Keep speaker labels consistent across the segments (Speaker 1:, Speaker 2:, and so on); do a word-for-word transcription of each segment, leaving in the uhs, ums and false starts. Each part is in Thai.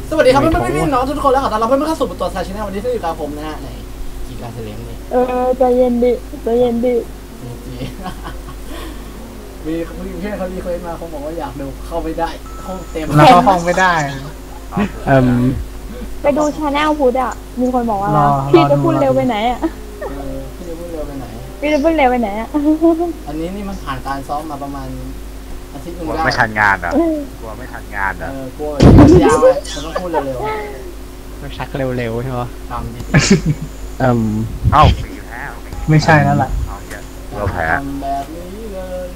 Speaker 1: สวัสดีครับเพื่อนๆพี่น้องทุกคนแล้วขอต้อนรับเพื่อนๆเข้าสู่ตัวซาชิน่าวันนี้ซึ่งอยู่กับผมนะฮะในกีฬาเซเลมนี่
Speaker 2: เออใจเย็นดิใจเย็นดิ
Speaker 1: จีมีมีเพื่อนเขาดีเคยมาเขาบอกว่าอยากดูเข้าไม่ได้ห้องเต็ม
Speaker 3: แล้วก็ห้องไม่ได้
Speaker 2: เอ่มไปดูชาแนลพูดอ่ะมีคนบอกว่าพี่จะพูดเร็วไปไหนอ่ะ
Speaker 1: พี่จะพูดเร็วไปไหน
Speaker 2: พี่จะพูดเร็วไปไหนอ่ะ
Speaker 1: อันนี้นี่มันผ่านการซ้อมมาประมาณอาทิตย์หนึ่งได้
Speaker 3: กลัวไม่ทันงานอ่ะกลัวไม่ทันงานอ่ะ
Speaker 1: เออกลัว ยาวเลยมันต้องพูดเร็ว
Speaker 4: ๆไม่ชักเร็วๆใช่ไหม
Speaker 1: ทำดี
Speaker 4: เอ่ม
Speaker 3: เอ้าปีแพ้
Speaker 5: ไม่ใช่แล้วล่ะ
Speaker 3: เราแพ้
Speaker 1: ทำแบบนี้เลย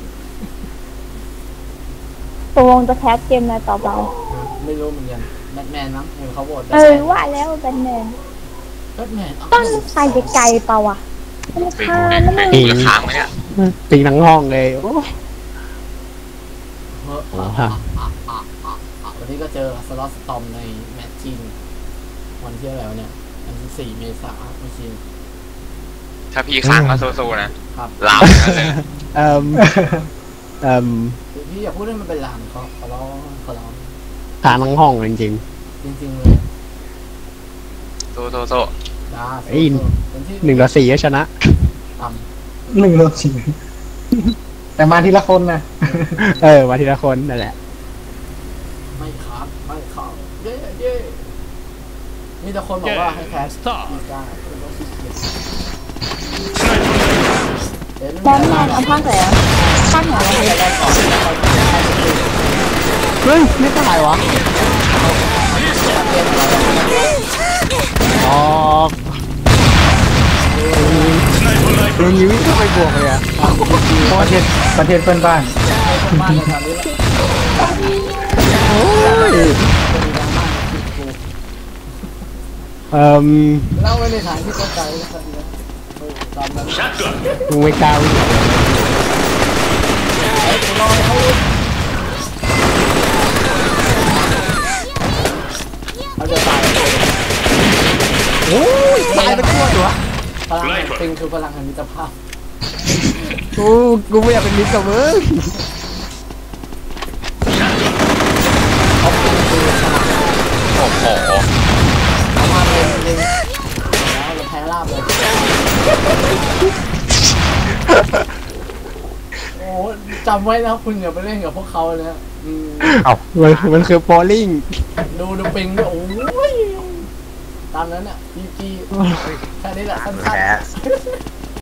Speaker 2: ตกลงจะแคสเกมอะไรต่อไป
Speaker 1: ไม่รู้เหมือนกันแบทแมนมั้งเห็นเขาโหวต
Speaker 2: เออว่าแล้วแบทแมน
Speaker 1: แบทแมน
Speaker 2: ต้องไปไกลๆเปล่าอ่ะมันคานะมึง
Speaker 4: ปีค้างไหมเนี่ยปีทั้งห้องเลยโอ้โห
Speaker 1: วันนี้ก็เจอสล็อตสตอมในแมตช์จริงวันที่อะไรวะเนี่ยวันที่สี่เมษายนไม่ชิน
Speaker 6: ถ้าพี่ค้างก็สู้ๆนะครับลาม
Speaker 4: เอ่มเอ่ม
Speaker 1: พี่อย่าพูดให้มันเป็นลามเขาเขาร้องเขาร้อง
Speaker 4: ค้างทั้งห้องจริง
Speaker 1: จริงๆเลย
Speaker 6: โซ่โซ่โซ่
Speaker 1: จ้า
Speaker 4: ไอ้หนึ่งต่อสี่ก็ชนะ
Speaker 5: หนึ่งต่อสี่แต่มาทีละคนนะ
Speaker 4: เออมาทีละคนนั่นแหละ
Speaker 1: ไม่ครับไม่ครับเย้เย้มีแต่คนบอกว่าให้แคสกีตาร์
Speaker 2: แบทแมนเอาภาคไหนอ่ะภาคไหน
Speaker 1: ได้ก่อน
Speaker 4: เฮ้ยไม่ตายวะออกโดนยิ้มเข้าไปบวกเลยอ่ะ
Speaker 5: ประเทศประเทศเพื่อนบ้าน
Speaker 1: บ้านในทางนี้
Speaker 4: โอ้ยเอ่ม
Speaker 1: เล่าไว้ในฐานที่เข้าใจนะครับตามนั้น
Speaker 4: มึงไม่กล้าวิ่ง
Speaker 1: ไอ้ตัวน้อยเขาเขาจะตาย
Speaker 4: โอ้ยตายไปทั่วตัว
Speaker 1: พลังแห่งปิงคือพลังแห่งมิตรภาพ
Speaker 4: กูกูไม่อยากเป็นมิตรกับมึง
Speaker 1: เขาปิงคือพลัง
Speaker 6: โอ้โห
Speaker 1: เอามาเป็นเล็งแล้วเราแพ้ราบเลยโอ้จำไว้นะคุณอย่าไปเล่นกับพวกเขาเลยนะ
Speaker 4: เอ้ามันมันคือโบลิ่ง
Speaker 1: ดูดูปิงด้วยโอ้ยตามนั้นอ่ะจีจีแค่นี้แหละสั้นๆ